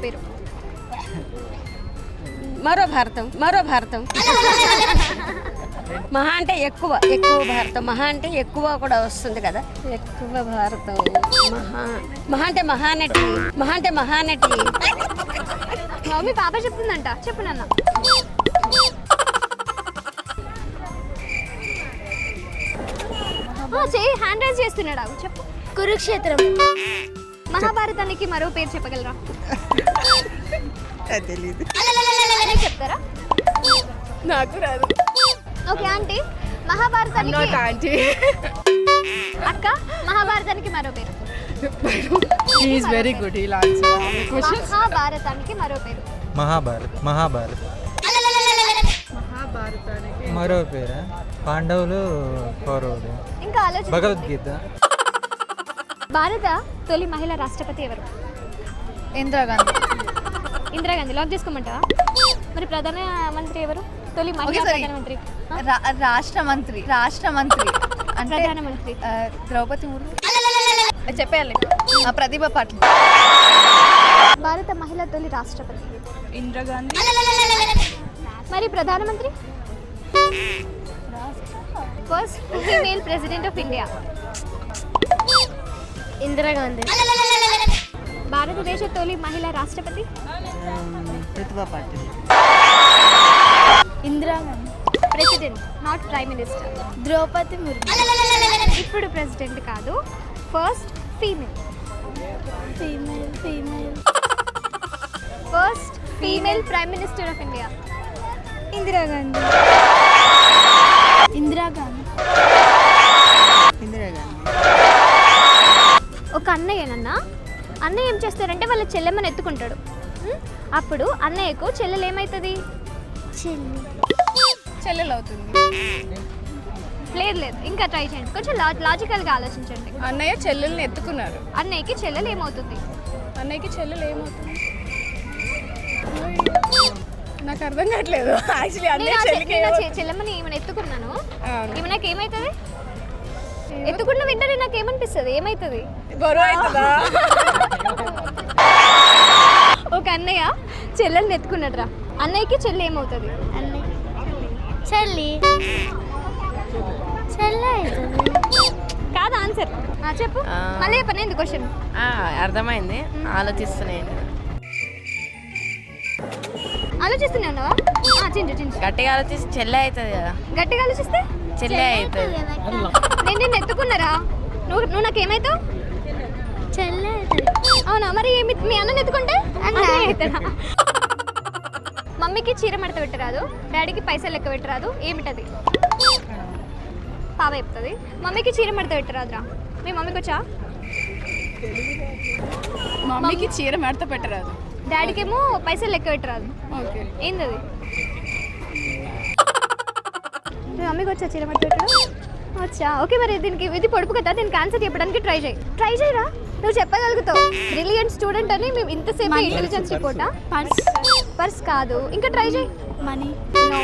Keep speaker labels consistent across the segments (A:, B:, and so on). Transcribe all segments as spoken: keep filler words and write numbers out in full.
A: పేరు.
B: మరో భారతం మరో భారతం మహా అంటే ఎక్కువ ఎక్కువ భారతం మహా అంటే ఎక్కువ కూడా వస్తుంది కదా. ఎక్కువ భారతం మహా మహా అంటే మహానటి మహా అంటే మహానటి.
A: మమ్మీ పాప చెప్తుందంట, చెప్పు నాన్న. చేయి హ్యాండ్ రైజ్ చేస్తున్నాడు. అవి చెప్పు.
C: కురుక్షేత్రం.
A: మహాభారతానికి మరో పేరు చెప్పగలరా?
B: తెలీదు.
A: చెప్తారా?
C: నాకు రాదు.
A: ఓకే ఆంటీ, మహాభారతానికి అక్క మహాభారతానికి మరో పేరు.
C: Is very good. ఇలా
A: మహాభారతానికి మరో పేరు.
D: మహాభారత్ మహాభారత్
C: మహాభారతానికి
D: మరో పేరా? పాండవులు కౌరవులు.
A: ఇంకా ఆలోచన.
D: భగవద్గీత.
A: భారత తొలి మహిళా రాష్ట్రపతి ఎవరు?
C: ఇందిరాగాంధీ.
A: ఇందిరాగాంధీ. లాక్ చేసుకోమంటావా? మరి ప్రధాన మంత్రి ఎవరు? తొలి మహిళా ప్రధానమంత్రి.
C: రాష్ట్ర మంత్రి. రాష్ట్ర మంత్రి అంటే
A: ప్రధానమంత్రి
C: ద్రౌపది ముర్ము. చెప్పేయాలి. ప్రతిభ పాటిల్.
A: భారత మహిళా తొలి రాష్ట్రపతి
C: ఇందిరాగాంధీ.
A: మరి ప్రధానమంత్రి? First female president of India.
C: Indira Gandhi.
A: భారతదేశ తొలి మహిళా రాష్ట్రపతి?
B: Pratibha Patil.
C: Indira Gandhi.
A: President, not prime minister.
C: Draupadi Murmu.
A: ఇప్పుడు ప్రెసిడెంట్ కాదు, first female.
C: Female female
A: first female prime minister of India.
C: Indira Gandhi. Indira Gandhi.
B: Indira Gandhi.
A: ఒక అన్నయ్యనన్నా అన్నయ్య ఏం చేస్తారంటే వాళ్ళ చెల్లెమ్మని ఎత్తుకుంటాడు. ఉం? అప్పుడు అన్నయ్యకు చెల్లెలు ఏమవుతుంది?
C: చెల్లి. చెల్లెలు అవుతుంది.
A: లేదు లేదు, ఇంకా ట్రై చేయండి. కొంచెం లా లాజికల్గా ఆలోచించండి.
C: అన్నయ్య చెల్లెల్ని ఎత్తుకున్నారు.
A: అన్నయ్యకి చెల్లెలు ఏమవుతుంది?
C: అన్నయ్యకి చెల్లెలు ఏమవుతుంది? నాకు అర్థం కావట్లేదు. యాక్చువల్లీ
A: నేను
C: అన్నయ్య
A: ఆ చె-
C: చెల్లికి
A: నేను ఆ చె- చెల్లెమ్మని ఈమెను ఎత్తుకున్నాను. ఈమె నాకు ఏమవుతుంది? ఎత్తుకున్న వెంటనే నాకు ఏమనిపిస్తుంది? ఏమవుతుంది?
C: గొడవ అవుతుందా?
A: ఒక అన్నయ్య చెల్లెల్ని ఎత్తుకున్నాడు రా. అన్నయ్యకి చెల్లి ఏమవుతుంది?
C: చెల్లి. చెల్లి అవుతుంది.
A: కాదు ఆన్సర్. చెప్పు. మళ్ళీ చెప్పను ఎందుకు క్వశ్చన్.
E: అర్థమైంది, ఆలోచిస్తున్నాయండి.
A: ఆలోచిస్తూనే ఉన్నావా? చించు చించు.
E: గట్టిగా ఆలోచిస్తే చెల్లె అవుతుంది కదా.
A: గట్టిగా ఆలోచిస్తే
E: చెల్లె అవుతుంది.
A: నేను నిన్ను ఎత్తుకున్నారా? నువ్వు నువ్వు నాకు ఏమవుతావు?
C: చెల్లి అవుతుంది.
A: అవునా? మరి ఏమి మీ అన్నని ఎత్తుకుంటే అన్నయ్య అవుతాడా? మమ్మీకి చీర మడత పెట్టరాదు, డాడీకి పైసలు లెక్క పెట్టరాదు, ఏమిటది? పాప చెప్తుంది. మమ్మీకి చీర మడత పెట్టరాదురా. మీ మమ్మీకి వచ్చా?
C: మమ్మీకి చీర మడత పెట్టరాదు,
A: డాడీకి ఏమో పైసలు లెక్క పెట్టరాదు.
C: ఓకే.
A: ఏంది? మీ మమ్మీకి వచ్చా చీర మడత పెట్టడం? వచ్చా. ఓకే, మరి దీనికి ఇది పొడుపు కదా, దీనికి ఆన్సర్ చెప్పడానికి ట్రై చేయి. ట్రై చేయరా, నువ్వు చెప్పగలుగుతావు. బ్రిలియంట్ స్టూడెంట్ అని మేము ఇంతసేపు ఇంటెలిజెన్స్ రిపోర్టా?
C: పర్స్.
A: పర్స్ కాదు, ఇంకా ట్రై చేయి.
C: మనీ.
A: నో.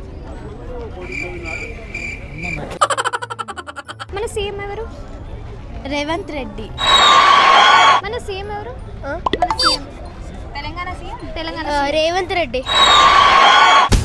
A: మన సీఎం ఎవరు?
C: రేవంత్ రెడ్డి.
A: మన సీఎం ఎవరు? మన సీఎం తెలంగాణ సీఎం తెలంగాణ
C: రేవంత్ రెడ్డి.